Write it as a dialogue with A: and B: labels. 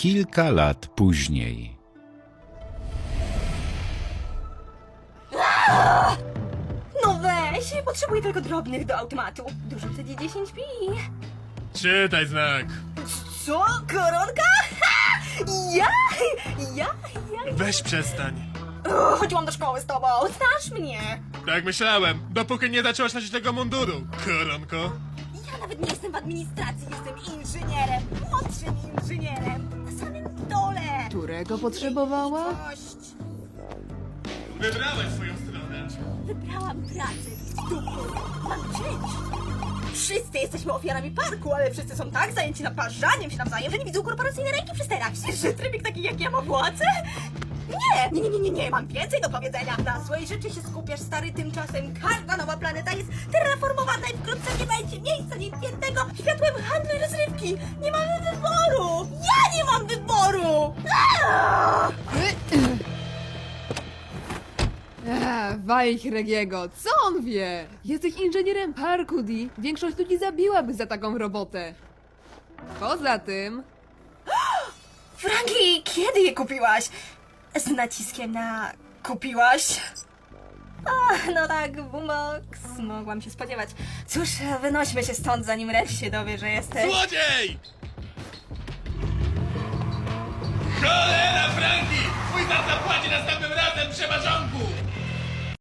A: kilka lat później.
B: No weź, potrzebuję tylko drobnych do automatu. Dorzucę ci 10 pi.
C: Czytaj znak.
B: Co? Koronka? Ha! Ja?
C: Weź przestań.
B: Chodziłam do szkoły z tobą, znasz mnie.
C: Tak myślałem, dopóki nie zaczęłaś nosić tego munduru, koronko.
B: Ja nawet nie jestem w administracji, jestem inżynierem. Młodszym inżynierem. Na samym dole.
D: Którego potrzebowała?
B: Dość.
C: Wybrałeś swoją stronę.
B: Wybrałam pracę w dupę. Mam część. Wszyscy jesteśmy ofiarami parku, ale wszyscy są tak zajęci naparzaniem się nawzajem, że nie widzą korporacyjnej ręki przy sterach. Myślisz, że trybik taki jak ja ma władzę? Nie, mam więcej do powiedzenia. Na złej rzeczy się skupiasz, stary, tymczasem każda nowa planeta jest terraformowana i wkrótce nie będzie miejsca nietkniętego światłem handlu i rozrywki. Nie mamy wyboru! Ja nie mam wyboru! Aaaa!
D: Wajch Regiego, co on wie? Jesteś inżynierem parku, Di. Większość ludzi zabiłaby za taką robotę. Poza tym...
B: Franki, kiedy je kupiłaś? Z naciskiem na kupiłaś? No tak, Bumox, mogłam się spodziewać. Cóż, wynośmy się stąd, zanim Red się dowie, że jesteś...
C: Złodziej! Cholera, Franki! Twój tata zapłaci następnym razem, przeważonku!